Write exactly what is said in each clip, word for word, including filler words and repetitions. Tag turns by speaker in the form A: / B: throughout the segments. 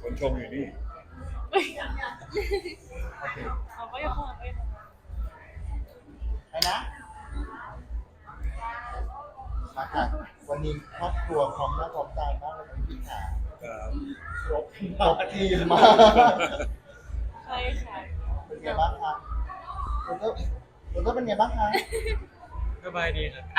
A: คนชมอยู่นี่
B: โอเคเอาไปยังไป
C: ไปนะมาค่ะวันนี้ครอบครัวพร้อมหน้าพร้อมตามากเลยพี่ขา
A: ครับ
C: ครบครบทีมมาก
B: ใช่ค่ะ
C: เป็นไงบ้างคะคุณก็คุณก็เป็นไงบ้างคะ
A: สบายดีครับ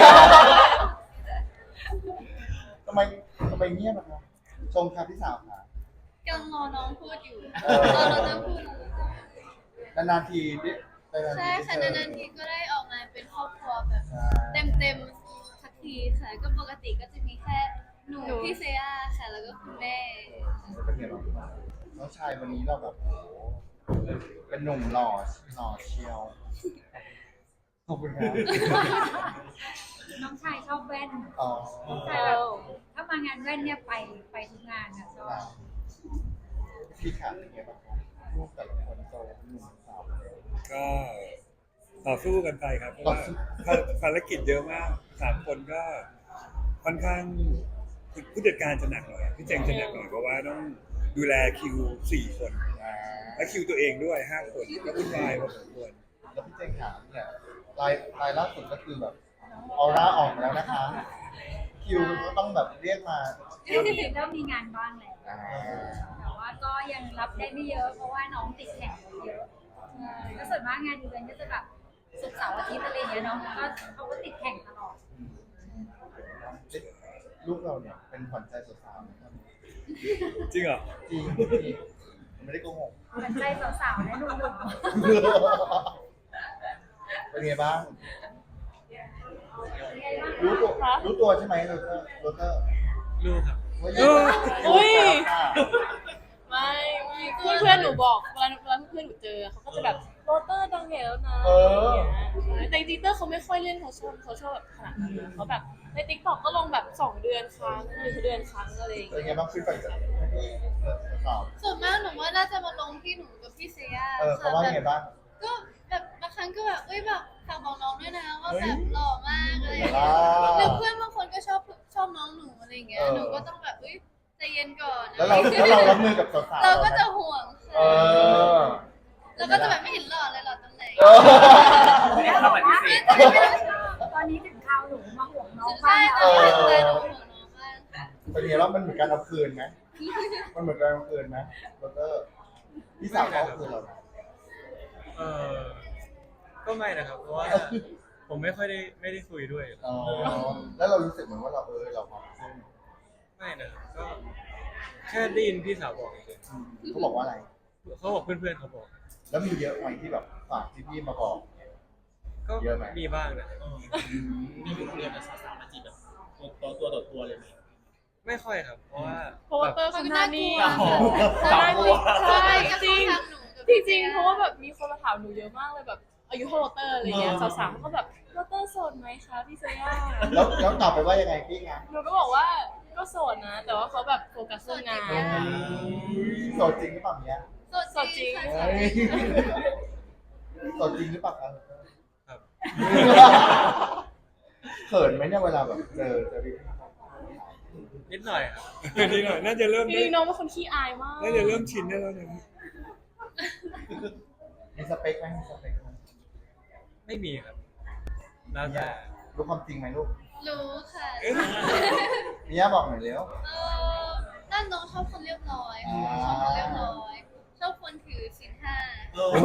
C: ทำไมทำไมเงียบอะคะชมค่ะพี่สาวค่ะ
D: กำลังรอน้องพูดอยู่
C: เออ
D: รอน้องพูด
C: นานๆทีดินานๆที
D: ใช่ค่ะ
C: ได้เจ
D: นานๆทีก็ได้ออกมาเป็นครอบครัวแบบ
C: ใช่
D: เต็มๆสักทีค่ะ ก็ปกติก็จะมีแค่หนูพี่เซียค่ะ แล้วก็คุณแม่
C: แล้วเป็นไงบ้างน้องชายวันนี้เราแบบโอ้โหเป็นหนุ่มหล่อหล่อเชียวขอบคุณครับ
E: น้องชายชอบแว่น
C: อ๋อ
E: แต่แบบถ้ามางานแว่นเนี่ยไปไปทุกงานนะชอบ
C: พี่ขาเป็นไงบ้างครับลูกแต่ละคนโตหนุ่มสาว
A: ก็ต่อสู้กันไปครับเพราะว่าภารกิจเยอะมากสามคนก็ค่อนข้างผู้จัดการจะหนักหน่อยพี่เจงจะหนักหน่อยเพราะว่าต้องดูแลคิวสี่คน
C: อ่า
A: และคิวตัวเองด้วยห้าคนก็วุ่นวายพอสมควร
C: แล้วพี่เจงถามเนี่ยรายรายล่าสุดก็คือแบบออร่าออกแล้วนะคะ คิวก็ต้องแบบเรียกมา
E: เริ่มมีเริ่มมีงานบ้างแล้ว
C: อ่า
E: แต่ว่าก็ยังรับได้ไม่เยอะเพราะว่าน้องติดแข่งเยอะแล้วส่วนมากงานอีเวนต์ก็จะแบบศุกร์เสาร์อาทิตย์อะไรอย่างเงี้ยเนาะก็เขาก็ติดแข่งตลอด
C: ลูกเราเนี่ยเป็นขวัญใจสาวๆนะครับ
A: จริงเหรอ
C: จริงจริงไม่ได้โกหก
E: สนใจสาวๆและหนุ่ม
C: เป็นไงบ้าง
E: ๆยังไงบ้าง
C: รู้ตัวรู้ตัวใช่ไหมโรเตอร์โรเตอร์
A: รู้ครับ
C: ว่า
B: อุ้ย
C: อุ้ย
B: ไม่เพื่อนเพื่อนๆหนูบอกเวลาเวลาเพื่อนๆหนูเจอเขาก็จะแบบโรเตอร์ดังใหญ่แล้วนะอะไรอย่างเงี้ยใช่แต่จริงๆเตอร์เขาไม่ค่อยเล่นโซเชียลโซเชียลแบบขนาดนั้นนะเขาแบบในติ๊กต็อกก็ลงแบบสองเดือนครั้งหรือเดือนครั้งอะไรอย่าง
C: เป็น
B: เงี้ย
C: ไงบ้างฟีดแบ็กจากพี่สาว
D: ส่วนมากหนูว่าน่าจะมาลงที่หนูกับพี่เซีย
C: เออเขา
D: ค่ะ
C: ว่า
D: แบ
C: ไง
D: บ
C: บ้าง
D: ก็แบบบางครั้งก็แบบเอ้ยแบบฝากบอกน้องด้วยนะว่าแบบหล่อมากอะไรอย่าง
C: ว้า
D: เงี้ยหรือ
C: ว
D: เพื่อนบางคนก็ชอบชอบน้องหนูอะไรอย่างเงี้ย
C: เออ
D: หนูก็ต้องแบบเอ้ยใจเย็นก่อน
C: แล้วเราแล้วเรารับมือกับสาวๆ
D: เราก็จะห่วง
C: เอ
D: ค่ะ
C: อ
D: แล้วก็จะแบบไม่เห็นหล่อเลยหล่อตรงไหน
C: เออ
E: แล้วบอกว่าตอนนี้ถึงคราวหนูมาห่วงน้องบ้า
D: ใช่
E: ง
D: ต
E: แล้
D: อน
E: ว
D: นี้หนูห่วงน้องมากค่ะ
C: เป็นไงบ้างมันเหมือนการเอาคืนไหมมันเหมือนการเอาคืนไหมโรเตอร์พี่สาวเขาเอาคืนเราไหม
F: เออก็ไม่นะครับ เพราะว่าผมไม่ค่อยได้ไม่ได้คุยด้วย
C: อ๋อแล้วเรารู้สึกเหมือนว่าเราเออเราความขึ้น
F: ไม่นะครับก็แค่ได้ยินพี่สาวบอกเฉย
C: เขาบอกว่าอะไร
F: ๆเขาบอกเพื่อนๆเขาบอก
C: แล้วมีเยอะไหมที่แบบฝากที่พี่มาบอก
F: ก็
C: เยอะไหม
F: มีบ้างนะ
G: มีคุยกับสาวๆมาจีบแบบตัวตัวต่อตัวเลยไหม
F: ไม่ค่อยครับ เพราะว่า
B: เพราะว่าเตอร์เขาหน้านิ่ง
G: อ๋อ
B: เขาหน้านิ่งใช่
D: ก็
B: จริง
D: ทางหนูกับ
B: จริงๆเพราะว่าแบบมีคนมาถามหนูเยอะมากเลยแบบอายุเท่าโรเตอร์อะไรเงี้ยสาวๆเขาก็แบบโรเตอร์โสดไหมคะพี่เซีย
C: แล้วแล้วตอบไปว่ายังไงพี่งาน
B: หนูก็บอกว่าก็โสดนะ แต่ว่าเขาแบบโฟกัสเรื่องงาน
C: โสดจริงหรือเปล่าเนี้ย
D: สดจริงค่ะ
C: เฮ้ยโสดจริงหรือเปล่าครับ
F: ครับ
C: เขินไหมเนี่ยเวลาแบบเจอเจอพี่
F: นิดหน่อยครับ
A: นี่หน่อยน่าจะเริ่ม
B: จริงๆน้องเป็นคนขี้อายมาก
A: น่าจะเริ่มชินได้แล้วนะ
C: มีสเปคไหมมีสเปคไหม
F: ไม่มีครับแล้วแต่
C: รู้ความจริงไหมลูก
D: รู้ค่ะ
C: เนี่ยบอกหน่อยเร็ว
D: เออด้านน้องชอบคนเรียบร้อยค่ะชอบคนเรียบร้อย ชอบคนถือศีลห้า
G: เออ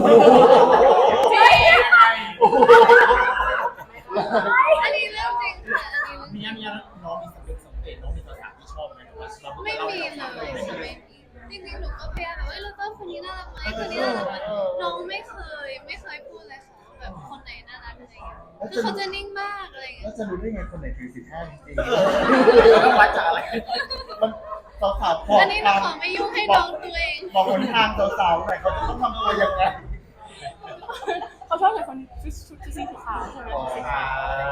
D: อันนี้เรื่องจริงค่ะ อันนี้เรื่องจ
G: มี
D: ริง
G: มีน้องมีสเปคสเปคน้องมีภาษาที่ชอบไหมว่าเรา
D: ไม่มีเลยไม่มีจริงๆหนูก็พยายามแบบว่าเราต้องคนนี้น่ารักไหมคนนี้น่ารักไหมน้องไม่เคยไม่เคยพูดเลยค่ะแบบคนไหนน่ารักอะไรอย่างเงี้ยคือเขาจะนิ่งมากอะไรอย่างเงี้
C: แล้
D: ยว
C: จะรู้ได้ไงคนไหนถือสิบห้าจริง
G: แล้ววัดจากอะไร
C: ๆมันสาวๆพอ
D: อันนี้หนูขอไม่ยุ่งให้น้องตัวเอง
C: บอกคนทางสาวๆหน่อยเขาจะต้องทำตัวยังไง
B: เขาชอบใส่คนชุดชุดสีขาวใช่ไหม
C: อ๋อ
B: สีขาว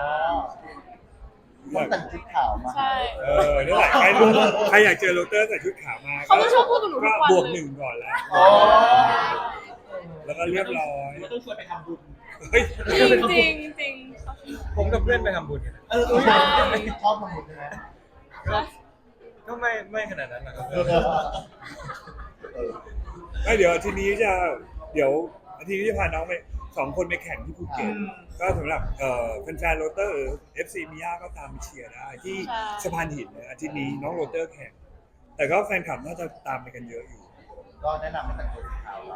C: ต้องแต่งชุดขาวมา
B: ใช่
A: เออนี่แหละใครใครอยากเจอโรเตอร์ใส่ชุดขาวมา
B: เขาจะชอบพูดกับหนูทุ
A: ก็
B: กวัน
A: บวก
B: เลย
A: หนึ่งก่อนแล้ว
C: อ๋อ
A: แล้วก็เรียบร้อย
G: เราต้องชวนไปทำบุญ
A: เฮ้ย
B: จริงจริงจริง
F: ผมกับเพื่อนไปทำบุญกันนะ
G: เออ
C: ชอบทำบุญใช่ไหม
F: ก็ก็ไม่ไม่ขนาดนั้นหรอกครับ
A: ไม่เดี๋ยวอาทีนี้จะเดี๋ยวอาทีนี้จะพาน้องไปสองคนไปแข่งที่ภูเก็ตก็สำหรับเอ่อแฟนๆโรเตอร์เอฟซีมิยาก็ตามไปเชียร์ได้ที่สะพานหินนะอาทิตย์นี้น้องโรเตอร์แข่ง แต่ก็แฟนคลับน่าจะตามไปกันเยอะอยู่
C: ก็แนะนำให้แต่งตัวสีขาวไว้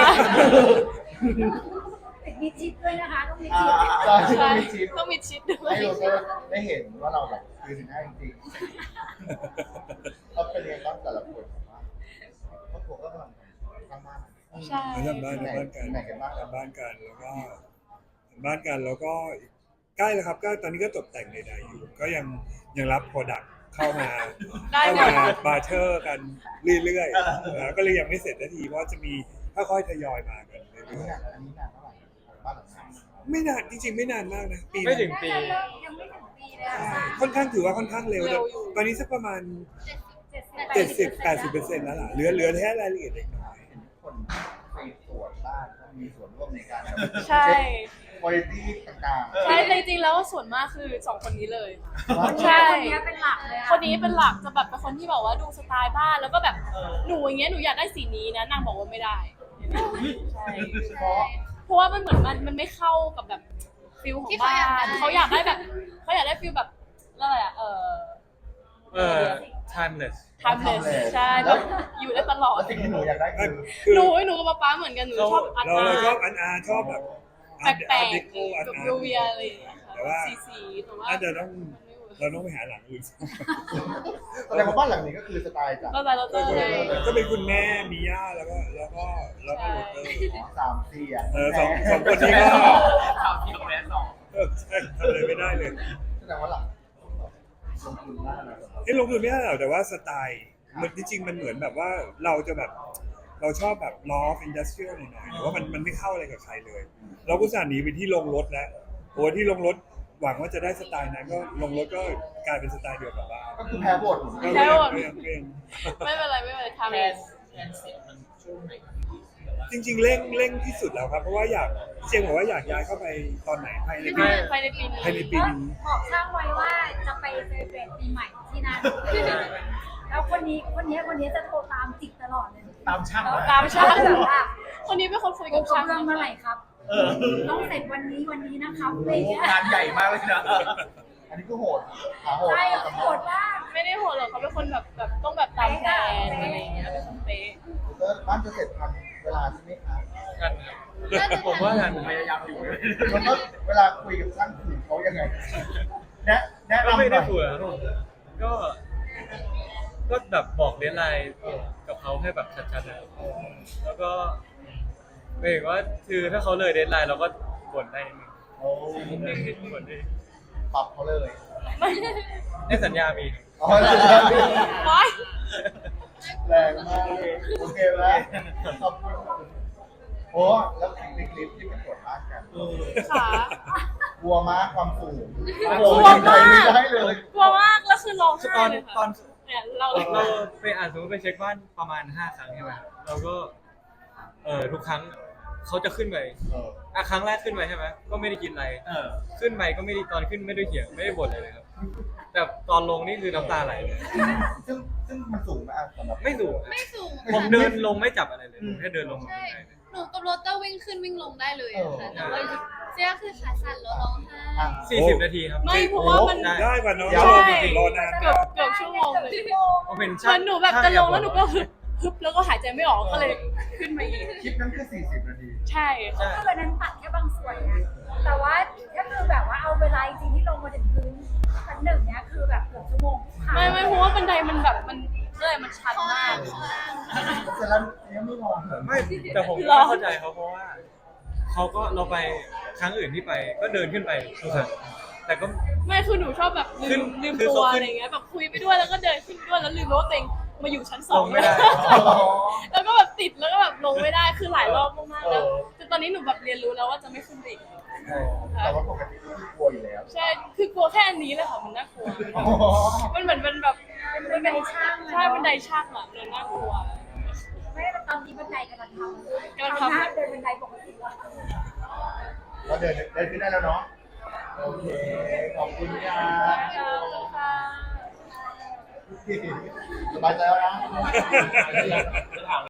E: มีชิดด้วยนะคะต้องมี
C: อ่า
E: ชิด
C: ใช่
B: ใช่
C: มีชิป
B: ต้องมีชิดด้วย
C: ให้เราได้เห็นว่าเราแบบคือสินค้าจริงๆก็เป็นเรียนต้องแต่ละคนผมว่าครอบครัวก็กำลังทำบ้าน
B: ใช่
A: ทำบ้านทำบ้านกัน
C: ไหนกันบ้าง
A: ทำบ้านกันแล้วก็ทำบ้านกันแล้วก็ใกล้แล้วครับก็ตอนนี้ก็ตกแต่งใดๆอยู่ ก็ยังยังรับโปรดักต์เข้ามา
B: ได้
A: เข้า
B: หม
A: มา
B: ด
A: บาร์เทอร์กันเรื่อยๆนะก็เลยยังไม่เสร็จนาทีเพราะว่าจะมีค่อยๆทยอยมากัน
C: อัน
A: เรื่
C: นี้
A: อย
C: นานอันนี้นานเท่าไหร่บ้านหลังนี้
A: ๆไม่นานจริงๆไม่นานมากนะปี
F: ไม่ถึงปี
E: ยังไม่ถึงปีเลยอะ
A: ใช่ค่อนข้างถือว่าค่อนข้างเร็วแต่ตอนนี้สักประมาณ
E: เจ็ดสิบ
A: เจ็ดสิบแปดสิบเปอร์เซ็นต์แล้วล่ะเหลือเหลือแค่รายละเอียดเล็กน้อย
C: เห็นทุกคนไปตรวจบ้านก็มีส่วนร่วมในการ
B: ใช่
C: คุณภาพต่างๆ
B: ใช่แต่จริงๆแล้วส่วนมากคือสองคนนี้เลย
C: ว่า
B: ใช่
E: คนนี้เป็นหลักเลยอะ
B: คนนี้เป็นหลักจะแบบเป็นคนที่บอกว่าดูสไตล์บ้านแล้วก็แบบหนูอย่างเงี้ยหนูอยากได้สีนี้นะนางบอกว่าไม่ได้ใช่
C: เพราะ
B: เพราะว่ามันเหมือนมันมันไม่เข้ากับแบบฟิลของบ้านเขาอยากได้แบบเขาอยากได้ฟิลแบบอะไรอะเออ
F: เออ timeless
B: timeless ใช่แบบอยู่ได้ตลอด
C: แล้วสิ่งที่หนูอยากได้
A: ก็
C: คือ
A: คือ
B: หนูหนูกับป๊าป๊าเหมือนกันหนูชอบอาร์ต
A: เรา
B: อา
A: เราชอบ
B: ร์
A: อันอาร์ชอบแบบ
B: ตแปลก
A: เดโก้
B: ๆ
A: อัน
B: แบบ
A: อา
B: ยู
A: ร์
B: เวียอะไรอย่างเงี้ย
A: แต่ว่า
B: ค่ะสีๆแต่ว่า
A: น่าจะต้องเราต้องไปหาหลังอื่น
C: แสดงว่าบ้านหลังนี้ก็คือสไตล์จาก
B: เราใจเราเตอร์เลย
A: ก็เป็นคุณแม่มีย่าแล้วก็แล้วก็แล้วก็โรเตอร์
C: สามสี่อ่ะ
A: เออสองสองคนนี้ก็
G: ข่าวที่ของแม่สอง
A: เออใช่ทำอะไรไม่ได้เลย
C: แสดงว่าหลังลงทุนมากนะ
A: ที่ลงทุนไม่ได้หรอกแต่ว่าสไตล์มันจริงๆมันเหมือนแบบว่าเราจะแบบเราชอบแบบล้ออินดัสเทรียลหน่อยๆแต่ว่ามันมันไม่เข้าอะไรกับใครเลย เราก็สั่นหนีไปที่ลงรถแล้วโอ้ที่ลงรถหวังว่าจะได้สไตล์นั้นก็ลงรถก็กลายเป็นสไตล์เดียวกับบ้าน
C: ก็คือแพ้บท
A: ก็
B: แพ้
A: เรีย
B: หม
A: น
B: ด
A: เรียนเรียน
B: ไม่เป็นไรไม่เป็นไรทำ
G: แพ
B: เอง
G: นแพนเสร็จมันช่วงไหน
A: จริงๆเร่งเร่งที่สุดแล้วครับเพราะว่าอยากเจมส์บอกว่าอยากย้ายเข้าไปตอนไหนภายในปี
B: ภายในปีนี้
A: ภายในปีนี้
E: บอกช่างไว้ว่าจะไปเซเลบรตปีใหม่ที่นั่นแล้วคนนี้คนนี้คนนี้จะโทรตามจิกตลอดเลย
G: ตามช่าง
B: ตามช่าง
E: แบบว่า
B: คนนี้เป็นคนคุย
E: ก
B: กับ
E: บ
B: ช่าง
E: เรื่องเมื่อไหร่ครับ
G: เออ
E: ต้องเสร็จวันนี้วันนี้นะครับอะไรเงี้ย
G: งานใหญ่มากเลยนะ
C: อันนี้ก็โหดขาโหด
E: ใช่โหดมาก
B: ไม่ได้โหดหรอกเขาเป็นคนแบบแบบต้องแบบตามแผนอะไรอย่างเงี้ยเป็นคนเป๊ะ
C: แล้วบ้านจะเสร็จทันเวลาใช่ไหมคะ
F: กันครับผมว่าทัน
G: ผมพยายามอยู่
C: แล้วก็เวลาคุยกับช่างคุยเขายังไงแนะแนะ
F: ก็
C: นำห
F: ไม่ได้
C: น่อย
F: คุยครับผมก็ก็แบบบอกเดทไลน์กับเขาให้แบบชัดๆนะครับแล้วก็หมายถึงว่าคือถ้าเขาเลยเดทไลน์เราก็บ่นได้นิดนึง
C: โอ้
F: บ่นได้
C: ปรับเขาเลย
B: ไม่
F: ในสัญญามี
C: อ๋อแรงมาก
B: ไม่
C: แรงมากเลยโอเคไหมขอบคุณโอ้แล้วคลิปในคลิปที่เป็นตรวจบ้านกัน
B: ขา
C: กลัวมากความสูง
B: กลัวมาก
C: ไม่ได้เลย
B: กลัวมากแล้วคือร้องไห้
F: ตอน
B: เลย
F: ตอ
B: ค่ะ
F: น
B: เนี่ยเรา
F: เราไปอ่านสมมติไปเช็คบ้านประมาณห้าครั้งใช่ไหมเราก็เออทุกครั้งเขาจะขึ้นไป
C: เออ
F: อ่ะครั้งแรกขึ้นไปใช่ไหมก็ไม่ได้กินอะไร
G: เออ
F: ขึ้นไปก็ไม่ได้ตอนขึ้นไม่ได้เถียงไม่ได้บ่นอะไรเลยครับ แต่ตอนลงนี่คือน้ำตาไหลเลย
C: ซึ่งซึ่งมันสูงไหมอ่ะสำหรับ
F: ไม่สูง
D: ไม่สูง
F: ผมเดินลงไม่จับอะไรเลยผมแค่เดินลงมา
D: ใช่
F: ได้เลย
D: หนูกับโรเตอร์วิ่งขึ้นวิ่งลงได้เลยอะค่ะแต่ว่าเจ๊คือขาสั่นแล้วร้องไห้
C: อ่ะ
F: สี่สิบนาทีครับ
B: ไม่เพราะว่ามัน
F: ได้
A: ได้กว่าน้อง
C: ใช่
A: รอจริงๆรอนาน
B: เกือบเกือบชั่วโมงเลย
F: ผมเป็น
B: เห
F: ช่า
B: มือง นหนูแบบจะลงแล้วหนูก็ฮึบฮึบแล้วก็หายใจไม่ออกก็เลยขึ้นมาอีก
C: คลิปนั้นคือสี่สิบนาที
B: ใช่ค่ะ
F: ใช่
E: คือวันนั้นตัดแค่บางส่วนนะแต่ว่าถ้าคือแบบว่าเอาเวลาจริงที่ลงมาถึงพื้นชั้นหนึ่งเนี้ยคือแบบเกือบชั่วโมง
B: ไม่ไม่เพราะว่าบันไดมันแบบมันเลยมันชัน
D: ข้อ
B: มา
D: ล่าก งข้อล่าง
C: เสร็จแล้วยังไม่มองเหรอ
F: ไม่แต่ผมไม่เข้าใจเขาเพราะว่าเขาก็เราไปครั้งอื่นที่ไปก็เดินขึ้นไปทุกครั้งแต่ก็
B: ไม่คือหนูชอบแบบลื
F: ขึ้น
B: มลืม
F: คือ
B: ตัว
F: เขาขึ้น
B: อะไรเงี้ยแบบคุยไปด้วยแล้วก็เดินขึ้นไปด้วยแล้วลืมว่าตัวเองมาอยู่ชั้นสอง
F: ลงไม่ได้
B: แล้วก็แบบติดแล้วก็แบบลงไม่ได้คือหลายรอบมากๆแล้วจนตอนนี้หนูแบบเรียนรู้แล้วว่าจะไม่ขึ้นไปอีก
C: แต่ว่าปกติก็คือกลัวอยู่แล้ว
B: ใช่คือกลัวแค่อันนี้เลยค่ะมันน่ากลัว มันเหมือนเป็นแบบ
E: เป็นบันไดช่าง
B: ใช่บันไดช่างอ่ะมันน่ากลัว
E: ไม่ได้ตอนนี้บันไดกำลังทำ
B: กำลังทำ
E: หน้าเดินบันไดปกติแล้ว
C: ก็เดินเดินขึ้นได้แล้วเนาะ โอเค ขอบคุณครั
B: ขอบคุณค่ะ
C: บสบายใจแล้วนะ
G: ถาม